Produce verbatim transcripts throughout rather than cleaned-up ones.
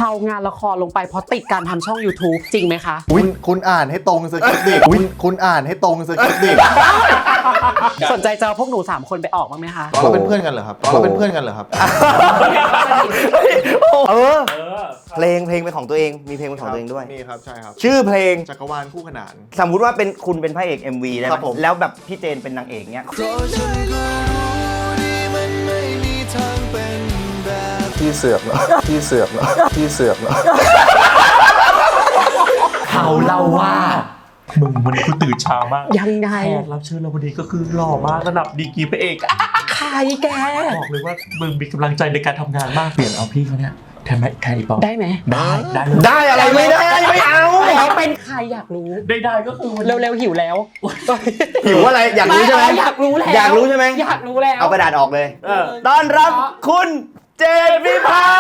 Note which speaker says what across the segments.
Speaker 1: างานละครลงไปเพราะติดการทำช่อง YouTube จริงไหมคะ
Speaker 2: คุณคุณอ่านให้ตรงสคริปต์ดิคุณคุณอ่านให้ตรงสคริปต์ดิ
Speaker 1: สนใจจะเอาพวกหนูสามคนไปออกบ้างไหมคะ
Speaker 2: เราเป็นเพื่อนกันเหรอครับเราเป็นเพื่อนกันเหรอครับ
Speaker 3: เออเพลงเพลงเป็นของตัวเองมีเพลงเป็นของตัวเองด้วย
Speaker 2: มีครับใช่ครับ
Speaker 3: ชื่อเพลง
Speaker 2: จักรวาลคู่ขนาน
Speaker 3: สมมุติว่าเป็นคุณเป็นพระเอก เอ็ม วี ได้ไห
Speaker 2: ครั
Speaker 3: ม
Speaker 2: บผม
Speaker 3: แล้วแบบพี่เจนเป็นนางเอกเนี้ย
Speaker 2: พี่เสือกเหรอพี่เสือกเหรอพี่เสือกเหรอ
Speaker 4: เขาเล่าว่ามึงวันนี้กูตื่นเช้ามาก
Speaker 1: ยังไง
Speaker 4: แขกรับเชิญเราวันนี้ก็คือหล่อมากระดับดีกรีพระเอก
Speaker 1: ใครแก
Speaker 4: บอกเลยว่ามึงมีกำลังใจในการทำงานมากเปลี่ยนเอาพี่เขาเนี่ยแทนไหมใครปอ
Speaker 1: ได้ไหม
Speaker 4: ได้ได้
Speaker 3: ได้อะไรไม่ได้ไม่เอา
Speaker 1: แล้วเป็นใครอยากรู้
Speaker 4: ได้ได้ก็คือ
Speaker 1: เร็วๆหิวแล้ว
Speaker 3: หิวอะไรอยากรู้ใช่ไหม
Speaker 1: อยากรู้แล้ว
Speaker 3: อยากรู้ใช่ไหม
Speaker 1: อยากรู้แล้ว
Speaker 3: เอากระดาษออกเลยต้อนรับคุณเจนวิภา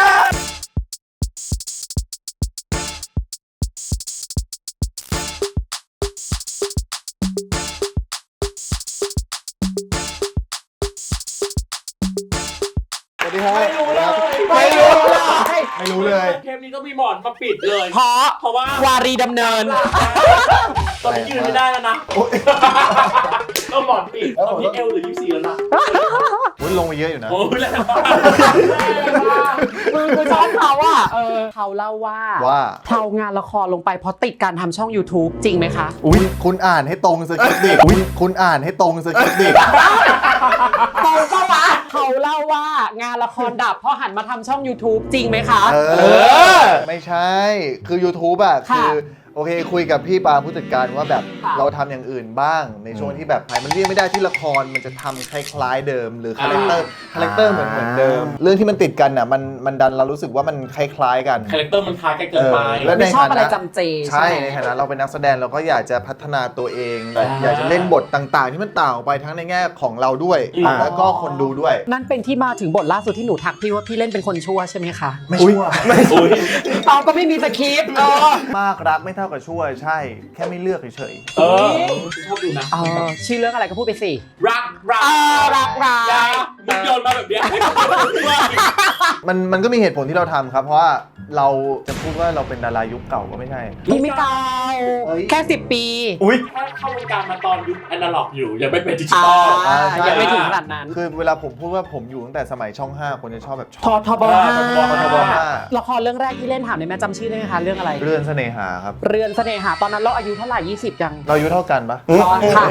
Speaker 2: ไม่รู้เลย
Speaker 1: ไม่รู้เลย
Speaker 2: ไม่รู้เลย
Speaker 4: เทปนี้ก็มีหมอนมาปิดเลย
Speaker 1: เพราะ
Speaker 4: เพราะว่าว
Speaker 1: ารีดำเนิน
Speaker 4: ตอนนี้ยืนไม่ได้แล้วนะก็หมอนปิดตอนนี้เอลหรือยี่สิบสี่แล้วนะ
Speaker 2: วุ้นลงไปเยอะอยู่นะ
Speaker 4: โอ้ยแรงมาก
Speaker 1: คือคือชอบเขาอ่ะเออเขาเล่าว่า
Speaker 2: ว่า
Speaker 1: เทางานละครลงไปเพราะติดการทำช่อง YouTube จริงไหมคะ
Speaker 2: อุ้ยคุณอ่านให้ตรงสคริปต์ดิอุ้ยคุณอ่านให้ตรงสคริปต์ดิ
Speaker 1: ตรงปะวะเขาเล่าว่างานละครดับเพราะหันมาทำช่อง YouTube จริงไหมคะ
Speaker 2: เออไม่ใช่คือ YouTube อะคือโอเคคุยกับพี่ปาผู้จัดการว่าแบบเราทำอย่างอื่นบ้างในช่วงที่แบบมันเรียกไม่ได้ที่ละครมันจะทำคล้ายๆเดิมหรือคาแรคเตอร์คาแรคเตอร์เหมือนเหมือนเดิมเรื่องที่มันติดกันอะมันมันดันเรารู้สึกว่ามันคล้ายๆกัน
Speaker 4: คาแรคเตอร์มันคล้ายกันเกินไป
Speaker 1: แล้วไม่ชอบอะไรจำเจ
Speaker 2: ใช่ในฐานะเราเป็นนักแสดงเราก็อยากจะพัฒนาตัวเองอยากจะเล่นบทต่างๆที่มันต่างออกไปทั้งในแง่ของเราด้วยแล้วก็คนดูด้วย
Speaker 1: นั่นเป็นที่มาถึงบทล่าสุดที่หนูทักพี่ว่าพี่เล่นเป็นคนชั่วใช่ไหมคะ
Speaker 2: ไม่ชั่ว
Speaker 3: ไม่
Speaker 1: เอาก็ไม่มีสคริปต์
Speaker 2: มากรักไม่เท่ากับชั่วใช่แค่ไม่เลือกเฉย
Speaker 4: ๆเออชอบดูนะ
Speaker 1: ชื่อเรื่องอะไรก็พูดไปสิ
Speaker 4: รักรัก
Speaker 1: รักรัก
Speaker 4: มึงโยนมาแบบนี้
Speaker 2: มันมันก็มีเหตุผลที่เราทำครับเพราะว่าเราจะพูดว่าเราเป็นดารายุคเก่าก็ไม่ใช่
Speaker 1: พี่ไม่เก่าแค่สิบปี
Speaker 4: อุ้ยเข้าวงการมาตอนยุคแอนาล็อกอยู่ยังไม่เป็นดิจิตอล
Speaker 1: ยังไม่ถึงขนาดนั้น
Speaker 2: คือเวลาผมพูดว่าผมอยู่ตั้งแต่สมัยช่องห้าคนจะชอบแบบ
Speaker 1: ทอทบห้า
Speaker 2: ทบห้า
Speaker 1: ละครเรื่องแรกที่เล่นถามได้ไหมจำชื่อได้ไหมคะเรื่องอะไร
Speaker 2: เรือนเสน่หาครับ
Speaker 1: เรือนเสน่หาตอนนั้นเราอายุเท่าไหร่ยี่สิบยัง
Speaker 2: เราอายุเท่ากันปะ
Speaker 1: ค่ะ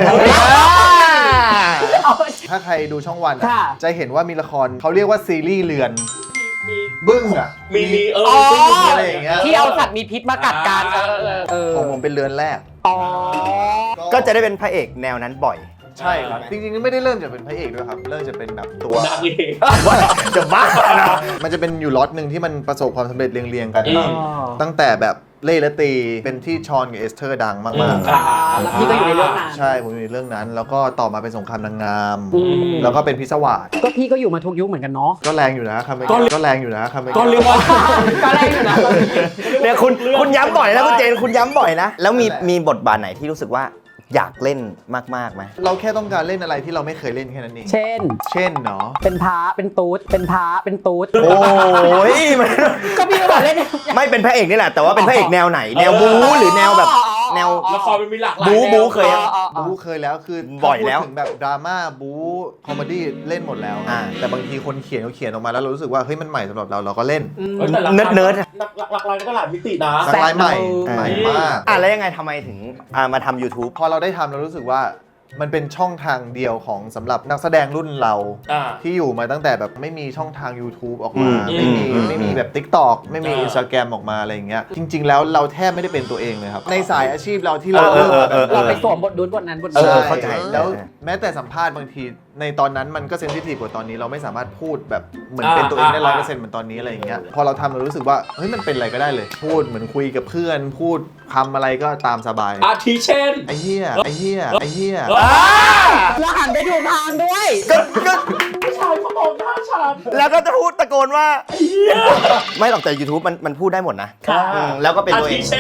Speaker 2: ถ้าใครดูช่องวันจะเห็นว่ามีละครเขาเรียกว่าซีรีส์เรือนบึ้งอ่ะ
Speaker 4: มีมีเออ
Speaker 2: บึ้งอะไรอย่างเงี้ย
Speaker 1: ที่เอาสัตว์มีพิษมากัดกัน
Speaker 2: ของผมเป็นเรือนแรก
Speaker 1: อ๋อ
Speaker 3: ก็จะได้เป็นพระเอกแนวนั้นบ่อย
Speaker 2: ใช่ครับจริงๆไม่ได้เริ่มจากเป็นพระเอกด้วยครับเริ่มจะเป็นแบบตัวนางเอก
Speaker 3: จะบ้านะ
Speaker 2: มันจะเป็นอยู่ล็อตหนึ่งที่มันประสบความสำเร็จเรียงๆกันตั้งแต่แบบเล่และตีเป็นที่ชอนกับเอสเธอร์ดังมาก
Speaker 1: ๆแล้วพี่ก็อยู่ในเรื่องนั้น
Speaker 2: ใช่ผมอยู่ในเรื่องนั้นแล้วก็ต่อมาเป็นสงครามนางงามแล้วก็เป็นพิศวาส
Speaker 1: ก็พี่ก็อยู่มาทุกยุคเหมือนกันเนาะ
Speaker 2: ก็แรงอยู่นะคำก็แรงอยู่นะคำ
Speaker 4: ก็เรียกว่า
Speaker 1: ก็แรงอยู่นะ
Speaker 3: เนี่ยคุณคุณย้ำบ่อยนะคุณเจนคุณย้ำบ่อยนะแล้วมีมีบทบาทไหนที่รู้สึกว่าอยากเล่นมากๆไหม
Speaker 2: เราแค่ต้องการเล่นอะไรที่เราไม่เคยเล่นแค่นั้นเอง
Speaker 1: เช่น
Speaker 2: เช่นเนาะ
Speaker 1: เป็นพระเป็นตูดเป็นพระเป็นตูด
Speaker 3: โอ้ย
Speaker 1: ก็พี่บอกเล่น
Speaker 3: ไม่เป็นพระเอกนี่แหละแต่ว่าเป็นพระเอกแนวไหนแนวบู๊หรือแนวแบบแนว
Speaker 4: ละครมันมีหลากหลาย
Speaker 3: บู๊บู๊เคย
Speaker 2: บู๊เคยแล้วคือ
Speaker 3: บ่อยแล้ว
Speaker 2: ถึงแบบดราม่าบู๊คอมเมดี้เล่นหมดแล้วแต่บางทีคนเขียนเขาเขียนออกมาแล้วเรารู้สึกว่าเฮ้ยมันใหม่สำหรับเราเราก็เล่น
Speaker 3: เนิร์ดเนิร์ด
Speaker 4: หลากหลายก็หลายมิตินะ
Speaker 2: หลากหลายใหม่ใหม่มาก
Speaker 3: อ่ะแล้วยังไงทำไมถึงมาทำ YouTube
Speaker 2: พอเราได้ทำเรารู้สึกว่ามันเป็นช่องทางเดียวของสำหรับนักแสดงรุ่นเราที่อยู่มาตั้งแต่แบบไม่มีช่องทาง YouTube ออกมาไม่มีไม่มีแบบ TikTok ไม่มี Instagram ออกมาอะไรอย่างเงี้ยจริงๆแล้วเราแทบไม่ได้เป็นตัวเองเลยครับในสายอาชีพเราที่เรา
Speaker 1: เราไปสวมบทนู้นบทนั้นบท
Speaker 2: นี้เข้าใจแล้วแม้แต่สัมภาษณ์บางทีในตอนนั้นมันก็เซนซิทีฟกว่าตอนนี้เราไม่สามารถพูดแบบเหมือนเป็นตัวเองได้ร้อยเปอร์เซ็นต์เหมือนตอนนี้อะไรอย่างเงี้ยพอเราทำเรารู้สึกว่าเฮ้ยมันเป็นอะไรก็ได้เลยพูดเหมือนคุยกับเพื่อนพูดคำอะไรก็ตามสบาย
Speaker 4: อาทิเช่น
Speaker 2: ไอ้เหี้ยไอ้เหี้ยไอ้เหี้ย
Speaker 1: แล้วหันไปดูทางด้วย
Speaker 3: ก็ก็
Speaker 4: ผู้ชายเขามองหน้าฉัน
Speaker 3: แล้วก็จะพูดตะโกนว่าไม่หรอกแต่ YouTube มันมันพูดได้หมดนะแล้วก็เป็นตัวเอง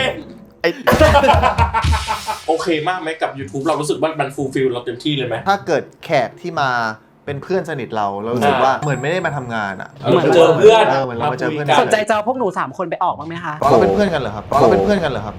Speaker 4: โอเคมากไหมกับ YouTube เรารู้สึกว่ามันฟูลฟิลเราเต็มที่เลยไหม
Speaker 2: ถ้าเกิดแขกที่มาเป็นเพื่อนสนิทเราเรารู้สึกว่าเหมือนไม่ได้มาทำงานอ่ะ
Speaker 4: เหมือนเจอเพื่อน
Speaker 2: เออเหมือนเรามาเจอเพื่อน
Speaker 1: สนใจจะเอาพวกหนูสามคนไปออกบ้างไหมคะ
Speaker 2: เราเป็นเพื่อนกันเหรอครับเราเป็นเพื่อนกันเหรอครับ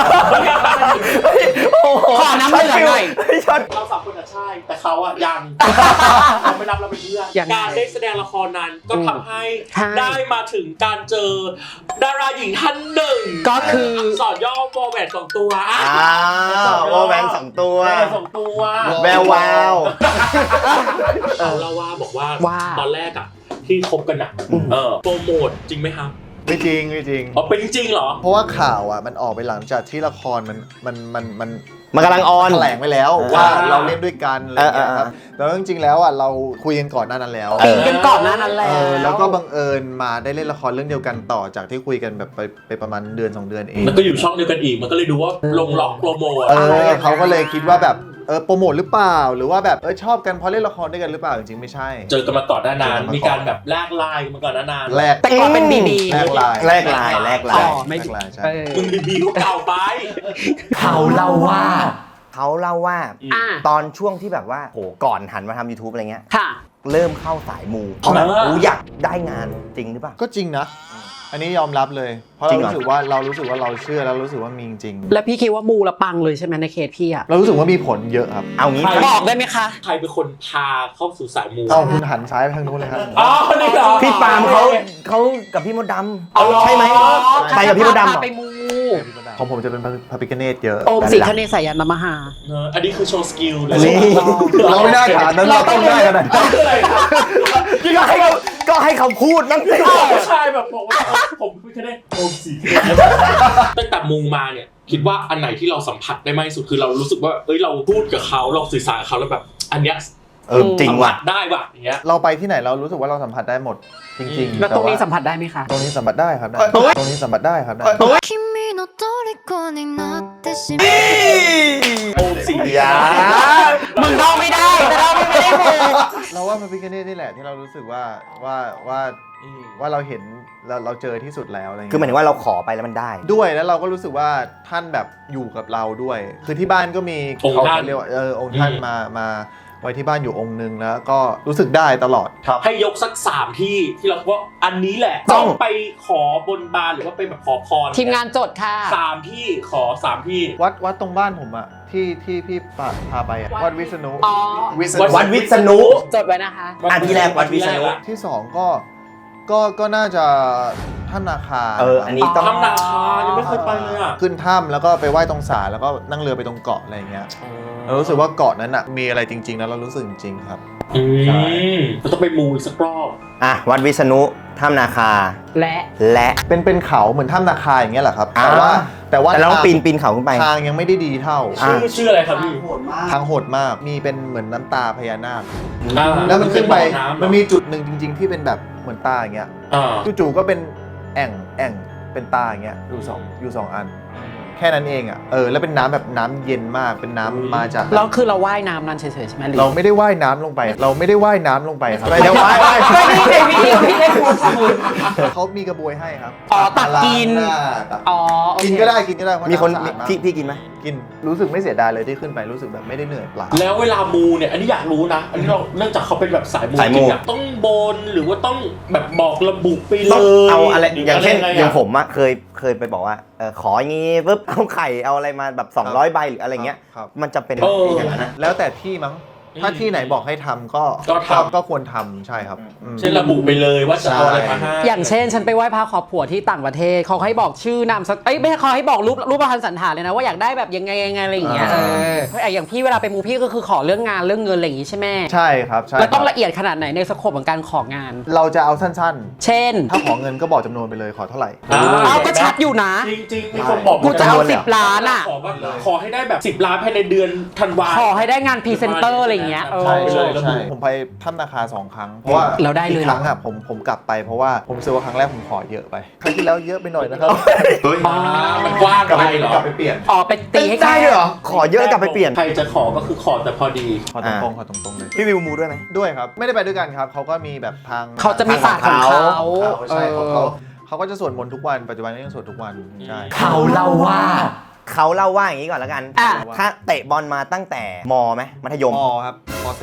Speaker 1: ขอน้ำเหลืองหน่อย
Speaker 4: เราสามคนอะใช่ แต่เขาอะยังเราไม่รับเราเป็นเพื่อน
Speaker 1: ยังไง
Speaker 4: การได้แสดงละครนั้นก็ทำให้
Speaker 1: ใช่
Speaker 4: ได้มาถึงการเจอดาราหญิงท่านหนึ่ง
Speaker 1: ก็คือ
Speaker 4: สอนย่อวอลแหวนสองตัวอ่ะ
Speaker 3: อ้าววอลแหวนสองตัว
Speaker 4: แหวนสองตัว
Speaker 3: แวววาว
Speaker 4: เขาเล่าว่าบอกว่า
Speaker 1: ว่า
Speaker 4: ตอนแรกอะที่คบกันอะเออโปรโมทจริงไหมครับ
Speaker 2: ไม่จริงไม่จริง
Speaker 4: อ๋อเป็นจริงเหรอ
Speaker 2: เพราะว่าข่าวอ่ะมันออกไปหลังจากที่ละครมันมันมันมัน
Speaker 3: มันกำลังออน
Speaker 2: แถลงไปแล้ว
Speaker 3: อ่า
Speaker 2: ว่าเราเล่นด้วยกันอะไรอย่างเงี้ย
Speaker 3: อ่า
Speaker 2: ครับแล้วจริงๆแล้วอ่ะเราคุยกันก่อนหน้านั้นแล้ว
Speaker 1: ปีกันก่อนหน้านั้นแล้
Speaker 2: เอ
Speaker 1: ว
Speaker 2: อแล้วก็บังเอิญมาได้เล่นละครเรื่องเดียวกันต่อจากที่คุยกันแบบไปไปประมาณเดือนสองเดือนเอง
Speaker 4: มันก็อยู่ช่องเดียวกันอีก มันก็เลยดูว่าลงล็อกโปรโมท
Speaker 2: เออเขาก็เลยคิดว่าแบบเออโปรโมทหรือเปล่า หรือว่าแบบเออชอบกันเพราะเล่นละครด้วยกันหรือเปล่าจริงๆไม่ใช่
Speaker 4: เจอกันมาก่อนหน้านาน
Speaker 2: เจอกันมาก่อน
Speaker 4: มีการแบบแลกไลน์กันมาก่อนหน้านาน
Speaker 2: แรก
Speaker 1: แต่ก่อนเป็นบีบี
Speaker 2: แรกไลน์
Speaker 3: แลกลายแลกลา
Speaker 1: อ๋
Speaker 3: ย
Speaker 1: อไม่
Speaker 2: แรกไลน์ใช่
Speaker 1: เออ
Speaker 4: มึงบีบีก็เก่าไป
Speaker 1: เขาเล่าว่า
Speaker 3: เขาเล่าว่า
Speaker 1: อ่า
Speaker 3: ตอนช่วงที่แบบว่าโหก่อนหันมาทำ YouTube อะไรเงี้ย
Speaker 1: ค่ะ
Speaker 3: เริ่มเข้าสายมูเพราะแบบ
Speaker 4: อ่า
Speaker 3: กูอยากได้งานจริงหรือเปล่า
Speaker 2: ก็จริงนะ อันนี้ยอมรับเลย เพราะ
Speaker 3: จริ
Speaker 2: เรา
Speaker 3: งเหรอ
Speaker 2: รู้สึกว่าเรารู้สึกว่าเราเชื่อแล้วรู้สึกว่ามีจริง
Speaker 1: แล้วพี่คิดว่ามูละปังเลยใช่ไหมในเคสพี่อะ
Speaker 2: เรารู้สึกว่ามีผลเยอะครับ
Speaker 3: เอางี้
Speaker 4: ใคร
Speaker 1: บอกได้ไหมคะ
Speaker 4: ใครเป็นคนพาเข้าสู่สายมู
Speaker 2: เอาคุณหันซ้ายไปทางนู้นเลยครับ
Speaker 4: อ๋อนี่เหรอ
Speaker 3: พี่ปาล์มเขาเขากับพี่มดด
Speaker 4: อ๋อ
Speaker 3: ำใช่ไหมไปกับพี่มดดำเหรอ
Speaker 1: ไปมู
Speaker 2: ของผมจะเป็นพระพิฆเนศเยอะ
Speaker 1: โอมสิคเนศสายันนมหา
Speaker 4: เนอะอันนี้คือโชว์สกิลเลย
Speaker 3: นี่
Speaker 2: เราไม่ได้ถามนั้นเราต้องได้กันหน่อย
Speaker 4: คืออะไรครับ
Speaker 3: ก็ให้เขาก็ให้เขาพูดนั่นสิ
Speaker 4: ผู้ชายแบบบอกว่าผมไม่เคยได้โอมสีตั้งแต่มูมาเนี่ยคิดว่าอันไหนที่เราสัมผัสได้มากที่สุดคือเรารู้สึกว่าเอ้ยเราพูดกับเขาเราสื่อสารกับเขาแล้วแบบอันเนี้ย
Speaker 3: เออจริงว่ะ
Speaker 4: สัมผัสได้ว่ะอย่างเงี้ย
Speaker 2: เราไปที่ไหนเรารู้สึกว่าเราสัมผัสได้หมดจริงๆ
Speaker 1: แล้วตรงนี้
Speaker 2: แา
Speaker 1: สัมผัสได้ไหมคะ
Speaker 2: ตรงนี้สัมผัสได้ครับได้ตรงนี้สัมผัสได้ครับได้
Speaker 5: 君の虜になってしまう
Speaker 4: โอมสี
Speaker 3: อย่า
Speaker 1: มึงเดาไม่ได้แต่เราไม่ได้มู
Speaker 2: เราว่าพระพิฆเนศนี่แหละที่เรารู้สึกว่าว่าว่าว่าเราเห็นเราเราเจอที่สุดแล้วอะไรอย่าง
Speaker 3: คือหมาย
Speaker 2: เงี้ย
Speaker 3: ถึงว่าเราขอไปแล้วมันได้
Speaker 2: ด้วยแล้วเราก็รู้สึกว่าท่านแบบอยู่กับเราด้วย คือที่บ้านก็มี
Speaker 4: องค์
Speaker 2: เขา
Speaker 4: ท่าน
Speaker 2: เรียกว่าเออองค์ท่านมามาไว้ที่บ้านอยู่องค์นึงแล้วก็รู้สึกได้ตลอดครับ
Speaker 4: ให้ยกสักสามที่ที่เราว่าอันนี้แหละ
Speaker 3: ต้
Speaker 4: ต้อ
Speaker 3: อง
Speaker 4: งไปขอบนบานหรือว่าไปแบบขอพร
Speaker 1: ทีมงานจดค่ะ
Speaker 4: สามที่ขอสามที่
Speaker 2: วัดวัดตรงบ้านผมอะที่ที่พี่พาพาไปอะวัดวิษณุ
Speaker 1: อ๋อ
Speaker 2: วิษณุ
Speaker 3: วัดวิษณุ
Speaker 1: จดไว้นะคะ
Speaker 3: อ่ะที่แรกวัดวิษณุ
Speaker 2: ที่สองก็ก็ก็น่าจะถ้ำนาคา
Speaker 3: เอออันนี้ต้อง
Speaker 4: ทำนาคายังไม่เคยไปเลยอ่ะ
Speaker 2: ขึ้นถ้ำแล้วก็ไปไหว้ตรงศาลแล้วก็นั่งเรือไปตรงเกาะอะไรอย่างเงี้ยเรารู้สึกว่าเกาะนั้นอะมีอะไรจริงๆแล้วเรารู้สึกจริงๆครับ
Speaker 4: อืมเราต้องไปมูอีกสักรอบ
Speaker 3: อ่ะวัดวิษณุถ้ำนาคา
Speaker 1: และ
Speaker 3: และ
Speaker 2: เป็นเป็นเขาเหมือนถ้ำนาคาอย่างเงี้ยแหละครับ
Speaker 3: อ่า
Speaker 2: แต่ว่าแต่ว่า
Speaker 3: แต่เราต้อง
Speaker 2: ทาง
Speaker 3: ปีนปีนเขาขึ้นไป
Speaker 2: ทางยังไม่ได้ดีเท่า
Speaker 3: อ่า
Speaker 4: ชื่อชื่ออะไรครับพี่
Speaker 2: ทางโหดมากมีเป็นเหมือนน้ำตาพญานาค
Speaker 4: อ่า
Speaker 2: แล้วมันขึ้นไป
Speaker 4: เป็บ่อำเหรอ
Speaker 2: มันมีจุดหนึ่งจริง ๆ ที่เป็นแบบเหมือนตาอย่างเงี้ย
Speaker 4: อ่า
Speaker 2: จู่ๆก็เป็นแอ่งแอ่งเป็นตาอย่างเงี้ยอยู่สองอยู่สองอัน แค่นั้นเองอ่ะเออแล้วเป็นน้ำแบบน้ำเย็นมากเป็นน้ำมาจาก
Speaker 1: แล้วคือเราว่ายน้ำนั้นเฉยๆใช่ไหมหรือ
Speaker 2: เราไม่ได้ว่ายน้ำลงไป เราไม่ได้ว่ายน้ำลงไปครับ
Speaker 3: ไม่ได้ว่าย
Speaker 1: ก็นี่ไงพี่พี่ได้พูดพูด
Speaker 2: เขามีกระบวยให้ครับ
Speaker 1: อ๋อตักกิน
Speaker 2: ล้างหาตัก
Speaker 1: อ๋อโอเค
Speaker 2: กินก็ได้กินก็ได้เพราะ
Speaker 3: มีคน
Speaker 2: ำสะอาดาก
Speaker 3: พี่พี่กินไหม
Speaker 2: กินรู้สึกไม่เสียดายเลยที่ขึ้นไปรู้สึกแบบไม่ได้เหนื่อยเปล่า
Speaker 4: แล้วเวลามูเนี่ย อันนี้อยากรู้นะ อันนี้เราเนื่องจากเขาเป็นแบบสายมู
Speaker 3: สายมู
Speaker 4: จริงอะต้องบนหรือว่าต้องแบบบอกระบุไปเล
Speaker 3: ต้อง
Speaker 4: ย
Speaker 3: เอาอะไร
Speaker 4: หรื
Speaker 3: อย่างเช่น
Speaker 4: ะไร
Speaker 3: อย่างผมอะเคยเคยไปบอกว่าเออขออย่างงี้ปุ๊บเอาไข่เอาอะไรมาแบบสองร้อยใบหรืออะไรเงี้ย
Speaker 2: ครับ
Speaker 3: มันจะเป็น
Speaker 4: เออ
Speaker 3: อย่างนั้นนะ
Speaker 2: แล้วแต่ที่มั้งถ้าที่ไหนบอกให้ทำก็
Speaker 4: ก็ทำ
Speaker 2: ก็ควรทำใช่ครับอืม
Speaker 4: เช่นระบุไปเลยว่าจะเอาอะไรมาให้
Speaker 1: อย่างเช่น ฉันไปไหว้พระขอผัวที่ต่างประเทศเขาให้บอกชื่อนามสกุลเอ้ยไม่ใช่เขาให้บอกรูปรูปพันสันฐานเลยนะว่าอยากได้แบบยังไงยังไงอะไรอย่างเงี้ยเออเพราะอย่างพี่เวลาไปมูพี่ก็คือขอเรื่องงานเรื่องเงินอะไรอย่างงี้ใช่ไหม
Speaker 2: ใช่ครับใช่
Speaker 1: แล้วต้อง
Speaker 2: ครับ
Speaker 1: ละเอียดขนาดไหนในสโคปของการของาน
Speaker 2: เราจะเอาสั้น
Speaker 1: เช่น
Speaker 2: ๆ ถ้าขอเงินก็บอกจำนวนไปเลยขอเท่าไหร่
Speaker 4: อ่า
Speaker 1: เอาก็ชัดอยู่นะ
Speaker 4: จริงๆมีคนบอก
Speaker 1: กูจะเอา
Speaker 3: จำนวนเลย
Speaker 1: สิ
Speaker 3: เหรอ
Speaker 1: บล้านอ่ะ
Speaker 4: ขอว่าขอให้ได้แบบสิบล้านภายในเดือนธันวา
Speaker 1: ขอให้ได้งานพรีเซนเตอร์อะไรอย่างเงี้ยเออ
Speaker 2: ใช่ใช่
Speaker 4: ระบุ
Speaker 2: ใช่ผมไปถ้ำนาคาสองครั้งเพราะว่า
Speaker 1: เราได้เลย
Speaker 2: อีกครั้งอ่ะผมผมกลับไปเพราะว่าผมรู้สึกว่าครั้งแรกผมขอเยอะไปครั้งที่แล้วเยอะไปหน่อยนะครับ
Speaker 4: อ่ามันกว้าง
Speaker 2: กลับ
Speaker 4: ไป
Speaker 2: ไป
Speaker 4: เหรอ
Speaker 2: กลับไปเปลี่ยน
Speaker 1: อ๋อไปตีให้
Speaker 3: ได้
Speaker 1: แค่
Speaker 3: ด้วยเหรอขอเยอะกลับไปเปลี่ยน
Speaker 4: ใครจะขอก็คือขอแต่พอดี
Speaker 2: ขอตรงๆขอตรงๆเลย
Speaker 3: พี่วิวมูด้วยไหม
Speaker 2: ด้วยครับไม่ได้ไปด้วยกันครับเขาก็มีแบบทาง
Speaker 1: เขาจะมีศาสตร์ของเขา
Speaker 2: เขาใช่เขา
Speaker 1: เอ
Speaker 2: เขา
Speaker 1: อ
Speaker 2: เขาก็จะสวดมนต์ทุกวันปัจจุบันก็ยังสวดทุกวันใช่
Speaker 1: เขาเล่าว่า
Speaker 3: เขาเล่าว่าอย่างนี้ก่อนแล้วกัน
Speaker 1: อ่ะ
Speaker 3: ถ้าเตะบอลมาตั้งแต่มไหมมัธยม
Speaker 2: มครับมสี่
Speaker 1: ป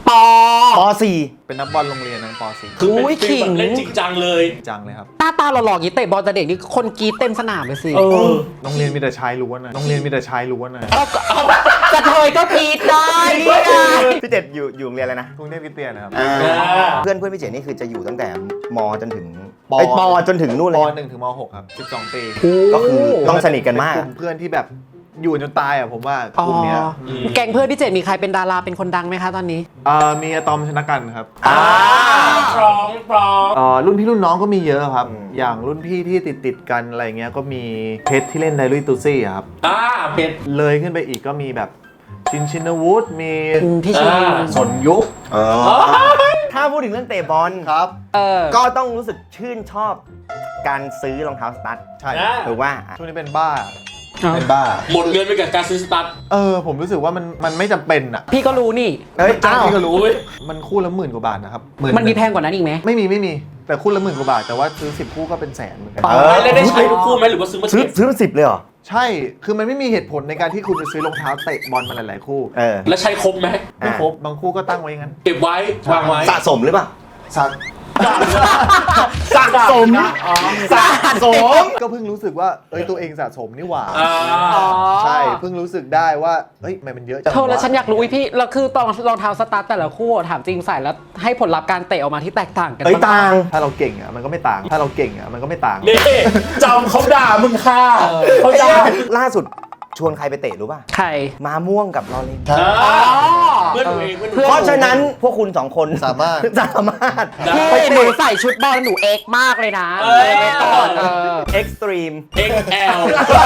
Speaker 1: ปอ
Speaker 3: ป .สี่
Speaker 2: เป็นนักบอลโรงเรียนนักป .สี่
Speaker 4: คือเป็น
Speaker 1: อุ้ย
Speaker 4: ฟีลแบบ
Speaker 1: ขิง
Speaker 4: เล่นจริงจังเลย
Speaker 2: จังเลยครับ
Speaker 1: หน้าตาหล่อๆอย่างนี้เตะบอลแต่เด็กนี่คนกรีดเต็มสนามเลยสิ
Speaker 4: เออ
Speaker 2: โรงเรียนมีแต่ชายล้วนนะโรงเรียนมีแต่ชายล้วนนะ
Speaker 1: กระเทยก็กรีดได้นี่ไง
Speaker 3: พี่เจ็ดอยู่อยู่โรงเรียนอะไรนะ
Speaker 2: กรุงเทพคริสเตียนนะครับ
Speaker 3: อ่า
Speaker 4: อ่า
Speaker 3: เพื่อนเพื่อนพี่เจ็ดนี่คือจะอยู่ตั้งแต่มจนถึง
Speaker 2: ป
Speaker 3: ไอยปจนถึงนู่น
Speaker 2: ป
Speaker 3: เลย
Speaker 2: หนึ่งถึงม .หก ครับสิบสองปี
Speaker 3: ก็คือต้องสนิทกันมาก
Speaker 2: เป็กลุ่มเพื่อนที่แบบอยู่จนตายอ่ะผมว่า
Speaker 1: อ๋อก
Speaker 2: ลุ่มเนี้ย
Speaker 1: แก๊งเพื่อนพี่เจดมีใครเป็นดาราเป็นคนดังไหมคะตอนนี้
Speaker 2: อ่ามีอะตอมชนะกันครับ
Speaker 3: อ่า
Speaker 4: พร้อมพร้อม
Speaker 2: อ่ารุ่นพี่รุ่นน้องก็มีเยอะครับ
Speaker 3: อืม
Speaker 2: อย่างรุ่นพี่ที่ติดติดๆกันอะไรเงี้ยก็มีเพชรที่เล่นไดลุยตูซี่อะครับ
Speaker 4: อ่าเพชร
Speaker 2: เลยขึ้นไปอีกก็มีแบบชินชินวุฒิมี
Speaker 1: อืมพี่ชิน
Speaker 4: อ่า
Speaker 2: สนยุค
Speaker 3: ถ้าพูดถึงเรื่องเตะบอล
Speaker 2: ครับ
Speaker 1: เออ
Speaker 3: ก็ต้องรู้สึกชื่นชอบการซื้อรองเท้าสตั๊ด
Speaker 2: ใช่
Speaker 4: อ่า
Speaker 3: ถูกว่า
Speaker 2: ช่วงนี้เป็นบ้า
Speaker 1: อ้าว
Speaker 2: เป็นบ้า
Speaker 4: หมดเงินไปกับการซื้อสตั๊ด
Speaker 2: เออผมรู้สึกว่ามันมันไม่จำเป็นอ่ะ
Speaker 1: พี่ก็รู้นี่
Speaker 3: เอ้ย
Speaker 2: จ้า
Speaker 3: อ้าว
Speaker 2: พี่ก็รู้
Speaker 4: อุ๊ย
Speaker 2: มันคู่ละหมื่นกว่าบาทนะครับห
Speaker 1: มันมีแพงกว่านั้นอีกไหม
Speaker 2: ไม่มีไม่มีแต่คู่ละหมื่นกว่าบาทแต่ว่าซื้อสิบคู่ก็เป็นแสนเหมือนกัน
Speaker 1: อ๋อ
Speaker 3: เออ
Speaker 4: แล้วได้ใช้ทุกคู่ไหมหรือว่าซื้อมา
Speaker 3: ซื้อ
Speaker 4: เก็บ
Speaker 3: ซื้อเป็นสิบเลยเหรอ
Speaker 2: ใช่ คือมันไม่มีเหตุผลในการที่คุณจะซื้อรองเท้าเตะบอลมาหลาย ๆ คู่
Speaker 3: เออ
Speaker 4: แล้วใช้ครบไหม
Speaker 2: ไม่ครบบางคู่ก็ตั้งไว้อย่างนั้น
Speaker 4: เก็บไว้วางไว้
Speaker 3: สะสมหรือเปล่า
Speaker 2: สัก
Speaker 3: สะสมสะสม
Speaker 2: ก็เพิ่งรู้สึกว่า เอ้ยตัวเองสะสมนี่หว่า
Speaker 4: อ่า
Speaker 1: อ๋อ
Speaker 2: ใช่ เพิ่งรู้สึกได้ว่า เฮ้ยทำไมมันเยอะจัง
Speaker 1: เธอแล้ว
Speaker 2: วะ
Speaker 1: ฉันอยากรู้อีพี่แล้วคือตอนรองเท้าสตาร์ทแต่ละคู่ถามจริงใส่แล้วให้ผลลัพธ์การเตะออกมาที่แตกต่างกัน
Speaker 3: เอ้ย
Speaker 1: ปะ
Speaker 3: ต่าง
Speaker 2: ถ้าเราเก่งอ่ะมันก็ไม่ต่าง ถ้าเราเก่งอ่ะมันก็ไม่ต่าง
Speaker 4: นี่จำเขาด่ามึงค่ะเขาด่า
Speaker 3: ล่าสุดชวนใครไปเตะรู้ป่ะ
Speaker 1: ใคร
Speaker 3: มาม่วงกับลอเรน
Speaker 2: ใช่
Speaker 4: อ่า
Speaker 1: อ๋อ
Speaker 4: เพื่อนหนูเองเพื่อนหนู
Speaker 3: เพราะฉะนั้นพวกคุณสองคน
Speaker 2: สามารถ
Speaker 3: สามารถ
Speaker 4: ได้
Speaker 1: พี่หนูใส่ชุดบอลหนูเอกมากเลยนะ
Speaker 4: เออ
Speaker 1: ไม่ต่อนเออ
Speaker 3: เอ็กซ์ตรีม
Speaker 4: เอ็กซ์แอล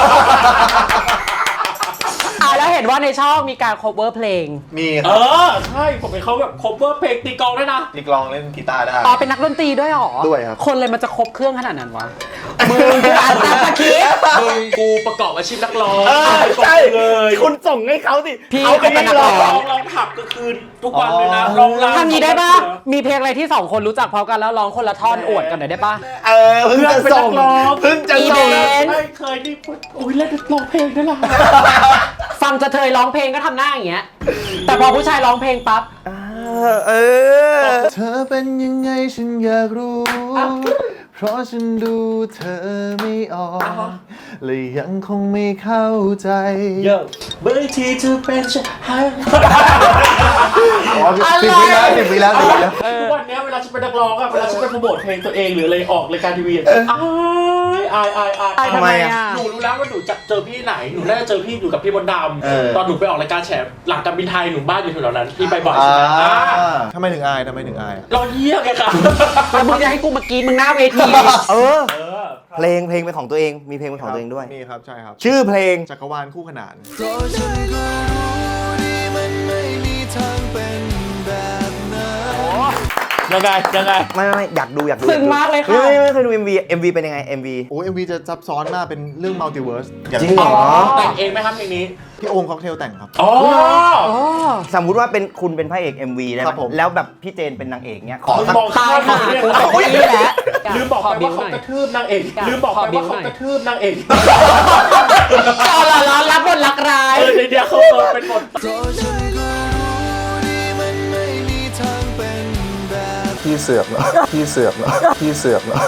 Speaker 1: อ่ะแล้วเห็นว่าในช่องมีการ cover เพลง
Speaker 2: มีค
Speaker 4: เอ
Speaker 2: รับ
Speaker 4: อ ใช่ ผมเป็นเขาแบบ cover เพลงตีกลองด้วยนะ
Speaker 2: มีกลองเล่นกีตาร์ได้
Speaker 1: อ๋อเป็นนักดนตรีด้วยเหรอ
Speaker 2: ด้วยครับ
Speaker 1: คนเลยมันจะครบเครื่องขนาดนั้นวะมึงคืออ่านตามสคริปต์
Speaker 4: มึงกูประกอบอาชีพนักร้อง
Speaker 3: เออใช่
Speaker 4: เลย
Speaker 3: คุณส่งให้เขาสิ
Speaker 1: พี่
Speaker 3: เขาเป็นนักร้อ
Speaker 4: ร้อง งร้องผับก็คือทุกวันเลยนะร้องรำ
Speaker 1: ทำงี้ได้ปะมีเพลงอะไรที่สองคนรู้จักพร้อมกันแล้วร้องคนละท่อนอวดกันหน่อยได้ปะ
Speaker 3: เออเพิ่งจะส่งเพิ่งจะ
Speaker 1: อี
Speaker 3: ส่ง
Speaker 1: เดน
Speaker 4: ไม่เคยนี่โอ้ยเล่นร้องเพลงได้หรอ
Speaker 1: ฟังจะเธยร้องเพลงก็ทำหน้าอย่างเงี้ย แต่พอผู้ชายร้องเพลงปั๊บ
Speaker 3: เออเออ
Speaker 2: เธอเป็นยังไงฉันอยากรู้ เพราะฉันดูเธอไม่ออกและยังคงไม่เข้าใจ
Speaker 4: เยอะเบอร์ที่เธอเป็นฉัน
Speaker 2: อ๋อสิบวิแล้วสิบวิแล้วสิบวิแล้ว
Speaker 4: ทุกวันนี้เวลาฉันเป็นนักร้องอะเวลาฉันไปโปรโมทเพลงตัวเองหรืออะไรออกรายการทีวีอะอายอายอายอาย
Speaker 1: อายทำไมอะ
Speaker 4: หนูรู้แล้วว่าหนูจะเจอพี่ไหน หนูน่าจะเจอพี่อยู่กับพี่มดด
Speaker 3: เออ
Speaker 4: ำตอนหนูไปออกรายการแฉหลังการบินไทยหนูบ้านอยู่แถวๆนั้นพี่ไปบ่อย
Speaker 2: อ่า
Speaker 4: ใช่ไหมอ่า
Speaker 2: ทำไมถึงอายทำไมถึงอายอะ
Speaker 4: เราเยี่ยมไงค่ะ
Speaker 1: แล้วมึงจะให้กูมากรีดมึงหน้าเวที
Speaker 3: เออ
Speaker 4: เออ
Speaker 3: เพลงเพลงเป็นของตัวเอง มีเพลงเป็นของตัวเองด้วย
Speaker 2: มีครับใช่ครับ
Speaker 3: ชื่อเพลง
Speaker 2: จักรวาลคู่ขนาน
Speaker 4: ยังไงยังไง
Speaker 3: ไม่ไม่ไม่อยากดูอยากดู
Speaker 1: ซึ้งมากเลยค่ะ
Speaker 3: ไม่ไม่ไม่เคยดู เอ็ม วี เอ็ม วี เป็นยังไง เอ็ม วี
Speaker 2: โอ้เอ็มวีจะซับซ้อนมากเป็นเรื่องมัลติเวิร์ส
Speaker 3: จริงเหรอ
Speaker 4: แต่งเองไหมครับเพลงนี้
Speaker 2: พี่โอมค็อกเทลแต่งครับ
Speaker 4: อ๋อ
Speaker 1: อ๋อ
Speaker 3: สมมุติว่าเป็นคุณเป็นพระเอก เอ็ม วี ได้ไห
Speaker 2: ครั
Speaker 3: ม
Speaker 2: บผม
Speaker 3: แล้วแบบพี่เจนเป็นนางเอกเนี้ยขอ
Speaker 4: คุณ
Speaker 3: สัก
Speaker 4: มอง
Speaker 1: ตาย
Speaker 4: ข้าม
Speaker 1: ค่ะ
Speaker 4: เรื่อง
Speaker 1: กู
Speaker 4: อะไร
Speaker 1: ตายนี่แหละ
Speaker 4: ลืมบอกไป
Speaker 1: ขบิ้
Speaker 4: ว่าเขา
Speaker 1: หน่อย
Speaker 4: กระทืบนางเอก
Speaker 1: อยาก
Speaker 4: ลืมบอกไป
Speaker 1: ขอบิ้
Speaker 4: ว่าว
Speaker 1: หน่
Speaker 4: เขา
Speaker 1: อย
Speaker 4: กระทืบนางเอก
Speaker 1: เอาละร้อนรับบทรักร้าย
Speaker 4: เออในเดียวเขาเออเป็นบท
Speaker 2: พี่เสือกเนาะพี่เสือกเนาะพี่เสือกเนาะ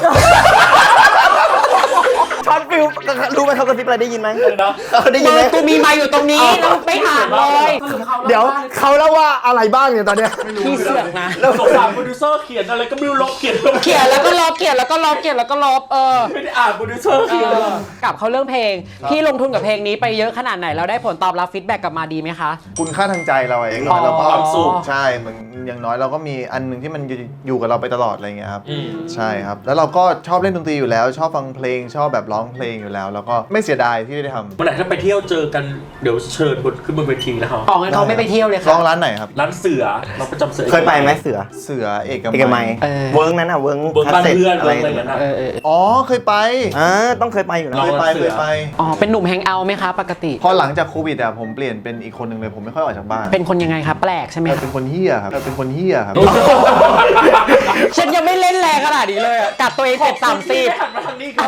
Speaker 3: ช็อตฟิลรู้ไหมเขากระซิบอะไรได้ยินไหม
Speaker 4: นะ
Speaker 3: เขาได้ยิ
Speaker 1: มึ
Speaker 3: น
Speaker 1: ง
Speaker 3: ไหม
Speaker 1: กูมีไมาอยู่ตรงนี้แล้วไม่ถามเลย
Speaker 3: เดี๋ยวเขาเล่าว่าอะไรบ้างเนี่ยตอนเนี้ย
Speaker 1: พี่เสือกนะ
Speaker 4: สงสารโปรดิวเซอร์เขียนอะไรก็ไม่รู้ลบเขียนลบ
Speaker 1: เขียนแล้วก็ลบเขียนแล้วก็ลบเขียนแล้วก็ลบเออ
Speaker 4: ไม่ได้อ่านโปรดิวเซอร์เขียน
Speaker 1: กลับเข้าเรื่องเพลง พี่ลงทุนกับเพลงนี้ไปเยอะขนาดไหนแล้วได้ผลตอบรับฟีดแบ็กกลับมาดีไหมคะ
Speaker 2: คุณค่าทางใจเราเอง
Speaker 1: อ๋อ
Speaker 2: เราก็
Speaker 4: ความสุข
Speaker 2: ใช่เหมือนอย่างน้อยเราก็มีอันหนึ่งที่มันอยู่กับเราไปตลอดอะไรเงี้ยครับ
Speaker 4: อืม
Speaker 2: ใช่ครับ แล้วเราก็ชอบเล่นดนตรีอยู่แล้ว ชอบฟังเพลงชอบแบบร้องเพลงอยู่แล้ว แล้วก็ไม่เสียดายที่ได้ทำ
Speaker 4: วันไหนถ้าไปเที่ยวเจอกันเดี๋ยวเชิญบนขึ้นบนเวทีนะครับ
Speaker 1: อ๋องั้นเขาไม่ไปเที่ยวเลย
Speaker 2: ร้
Speaker 1: ค่ะ
Speaker 2: องร้านไหนครับ
Speaker 4: ร้านเสือเราประจำเสือ
Speaker 3: เคยไปไหมเสือ
Speaker 2: เสือเอก
Speaker 3: เอกมั
Speaker 2: มั
Speaker 3: ย
Speaker 2: ย
Speaker 1: เออ
Speaker 3: เวิร์กนั้นอ่ะเวิร์ก
Speaker 4: เบิร์บ้านเพื่อน
Speaker 3: อะไร
Speaker 4: อะไรอย่างเงี้ยนะ
Speaker 1: เออเออ
Speaker 2: อ๋อเคยไป
Speaker 3: อ่าต้องเคยไปอยู่แล้ว
Speaker 2: เคยไปเคยไป
Speaker 1: อ๋อเป็นหนุ่มแฮงเอาท์ไหมคะปกติ
Speaker 2: พอหลังจากโควิดอ่ะผมเปลี่ยนเป็นอีกคนหนึ่งเลยผมไม่ค่อยออกจากบ้าน
Speaker 1: เป็นคนยังไงคะแปลกใช่ไหม
Speaker 2: แต่เป็นคนเฮี้ยครับแต่เป็นคนเฮี้ยครับ
Speaker 1: ฉันยังไม่เล่นแรงขนาดนี้เลยอะกัดตัวเองเสร็จสามสิบ
Speaker 4: หันมาทางนี้ก็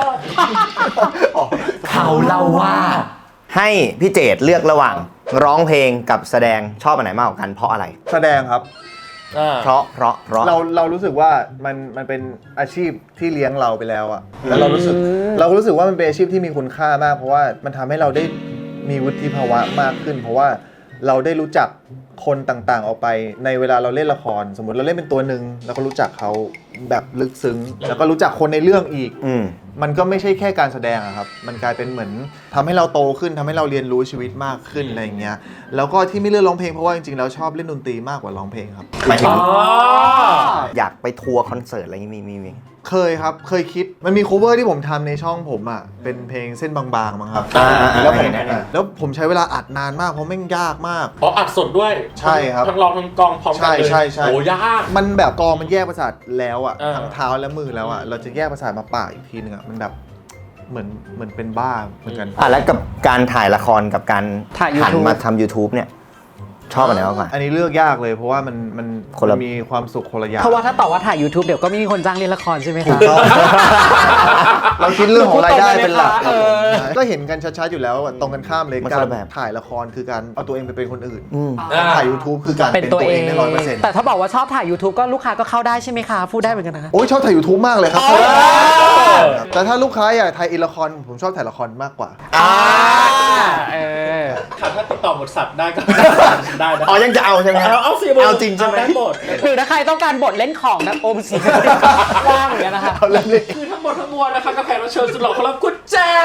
Speaker 3: เขาเล่าว่า ให้พี่เจดเลือกระหว่างร้องเพลงกับแสดงชอบอันไหนมากกว่ากันเพราะอะไร
Speaker 2: แสดงครับ
Speaker 4: อ่า
Speaker 3: เพราะเพราะเพราะ
Speaker 2: เราเรารู้สึกว่ามันมันเป็นอาชีพที่เลี้ยงเราไปแล้วอะแล้วเรารู้สึกเรารู้สึกว่ามันเป็นอาชีพที่มีคุณค่ามาก เพราะว่ามันทำให้เราได้มีวุฒิภาวะมากขึ้น เพราะว่าเราได้รู้จักคนต่างๆออกไปในเวลาเราเล่นละคร สมมติเราเล่นเป็นตัวหนึ่งเราก็รู้จักเขาแบบลึกซึ้ง แล้วก็รู้จักคนในเรื่องอีก
Speaker 3: อืม
Speaker 2: มันก็ไม่ใช่แค่การแสดงอะครับ มันกลายเป็นเหมือนทำให้เราโตขึ้นทำให้เราเรียนรู้ชีวิตมากขึ้นอะไรอย่างเงี้ย แล้วก็ที่ไม่เลือกร้องเพลงเพราะว่าจริงๆแล้วชอบเล่นดนตรีมากกว่าร้องเพลงครับ
Speaker 3: หมายถึง
Speaker 4: อ๋อ
Speaker 3: อยากไปทัวร์คอนเสิร์ตอะไรอย่างงี้มีมีมี
Speaker 2: เคยครับ เคยคิด มันมี cover ที่ผมทำในช่องผมอ่ะ เป็นเพลงเส้นบางๆมั้งครับ
Speaker 3: อ่าอ่าอ่า
Speaker 2: แล้วผม
Speaker 3: เห็นเห็นเห็น
Speaker 2: แล้วผมใช้เวลาอัดนานมากเพราะแม่งยากมาก
Speaker 4: อ๋ออัดสดด้วย
Speaker 2: ใช่ครับ
Speaker 4: ทั้งร้องทั้งกลองพร้อมกันเลย
Speaker 2: ใช่ใช่ใช่
Speaker 4: โอ้ยาก
Speaker 2: มันแบบกองมันแยกประสาทแล้วอ่ะ
Speaker 4: เออ
Speaker 2: ทั้งเท้าและมือแล้วอ่ะ เราจะแยกประสาทมาปากอีกทีนึงอ่ะ มันแบบเหมือนเหมือนเป็นบ้าเหมือนกัน
Speaker 3: อ่ะแล้วกับการถ่ายละครกับการ
Speaker 1: ถ่าย
Speaker 3: หัน
Speaker 1: YouTube
Speaker 3: มาทำ YouTube เนี่ย ชอบอันไหนมากกว่า
Speaker 2: อันนี้เลือกยากเลยเพราะว่ามันมัน
Speaker 3: คนละ
Speaker 2: มันมีความสุขคนละอย่าง
Speaker 1: เพราะว่าถ้าตอบว่าถ่าย YouTube เดี๋ยวก็ไม่มีคนจ้างเล่นละครใช่ไหม
Speaker 2: ถู
Speaker 1: คะ
Speaker 2: กต้อง เราคิดเรื่องของรายได้เป็นหลัก
Speaker 1: เออ
Speaker 2: ก็เห็นกันชัดๆอยู่แล้วว่าตรงกันข้ามเลย
Speaker 3: มัน
Speaker 2: กา
Speaker 3: คน
Speaker 2: ร
Speaker 3: ละแบบ
Speaker 2: ถ่ายละครคือการเอาตัวเองไปเป็นคนอื่น
Speaker 3: อืม
Speaker 4: อ่า
Speaker 2: ถ่าย YouTube คือการ
Speaker 1: เป็น
Speaker 2: เป็น
Speaker 1: ตั
Speaker 2: ตัว ว
Speaker 1: เอ
Speaker 2: เอง งได้ร้อยเปอร์เซ็นต์
Speaker 1: แต่ถ้าบอกว่าชอบถ่าย YouTube ก็ลูกค้าก็เข้าได้ใช่ไหมคะพูดได้เหมือนกันนะคะ
Speaker 2: โอ้ยชอบถ่าย YouTube มากเลยครับ
Speaker 1: อ๋อ
Speaker 2: แต่ถ้าลูกค้าอยากถ่ายอีละครผมชอบถ่ายละครมากกว่า
Speaker 3: อ่า
Speaker 1: เออ
Speaker 4: ถ้าติดต่อบทสัตว์ได้ก็ ได้นะ
Speaker 3: อ๋อยังจะเอาใช่ไหม
Speaker 4: เอาเอาสิ
Speaker 3: เอาจริงใช่ไหม
Speaker 4: ได้หมด
Speaker 1: หรือถ้าใครต้องการบทเล่นของแบบโอมสีว่างเหมือนกันนะคะ
Speaker 2: เอาเล่นเลย
Speaker 4: คือทั้งหมดทั้งมวลนะคะกับแขกรับเชิญสุดหล่อของเราคุณแจ๊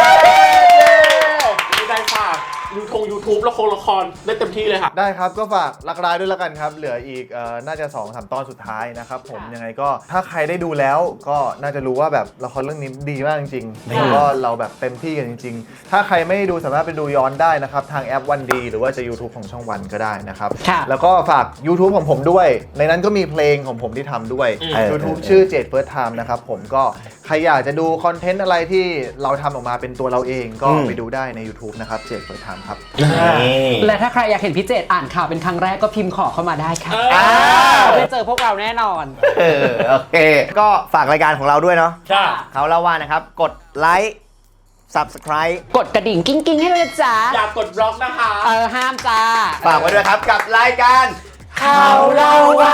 Speaker 4: มีได้ฝากยูทงยูทูบละครละครได้เต็มที่เลยค่ะ
Speaker 2: ได้ครับก็ฝากรักร้ายด้วยแล้วกันครับ เหลืออีกเอ่อน่าจะสองสามตอนสุดท้ายนะครับผมยังไงก็ถ้าใครได้ดูแล้วก็น่าจะรู้ว่าแบบละครเรื่องนี้ดีมากจริงๆแล้วก็เราแบบเต็มที่กันจริง ๆ ถ้าใครไม่ได้ดูสามารถไปดูย้อนได้นะครับ ทางแอปวันดีหรือว่าจะ YouTube ของช่องวันก็ได้นะครับ
Speaker 1: ค่ะ
Speaker 2: แล้วก็ฝาก YouTube ของผมด้วย ในนั้นก็มีเพลงของผมที่ทำด้วย
Speaker 4: อืม
Speaker 2: YouTube ชื่อเจดเฟิร์สไทม์นะครับผมก็ใครอยากจะดูคอนเทนต์อะไรที่เราทำออกมาเป็นตัวเราเองก็
Speaker 3: อืม
Speaker 2: ไปดูได้ใน YouTube นะครับเจดเฟิร์สไทม์ครับ
Speaker 3: นี่
Speaker 1: และถ้าใครอยากเห็นพี่เจตอ่านข่าวเป็นครั้งแรกก็พิมพ์ขอเข้ามาได้ค่ะ
Speaker 4: อ่า
Speaker 1: ได้เจอพวกเราแน่นอน
Speaker 3: เออโอเค ก็ฝากรายการของเราด้วยเนาะ
Speaker 4: ค่ะ
Speaker 3: เขาเล่าว่านะครับ กดไลค์ Subscribe
Speaker 1: กดกระดิ่งกิ้งกิ้งให้ด้วยนะจ๊ะ
Speaker 4: อย่ากดบล็อกนะคะ
Speaker 1: เออห้ามจ้า
Speaker 3: ฝากไว้ด้วยครับกับรายการ
Speaker 1: เขาเล่าว่า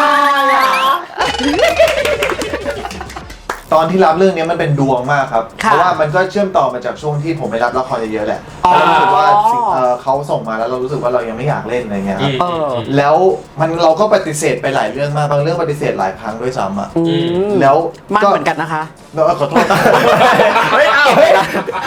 Speaker 2: ตอนที่รับเรื่องนี้มันเป็นดวงมากครับ
Speaker 1: ค่ะ
Speaker 2: เพราะว่ามันก็เชื่อมต่อมาจากช่วงที่ผมไปรับละครเยอะๆแหละ
Speaker 1: อ๋อ
Speaker 2: แล้วรู้สึกว่าสิ่งเอ่อเขาส่งมาแล้วเรารู้สึกว่าเรายังไม่อยากเล่นอะไรเงี้ยครับ
Speaker 1: เออ
Speaker 2: แล้วมันเราก็ปฏิเสธไปหลายเรื่องมากบางเรื่องปฏิเสธหลายครั้งด้วยซ้ำอ่ะ
Speaker 1: อืม
Speaker 2: แล้ว
Speaker 1: มันเหมือนกันนะคะ
Speaker 2: แล้วขอโทษ
Speaker 3: เฮ้ยเอา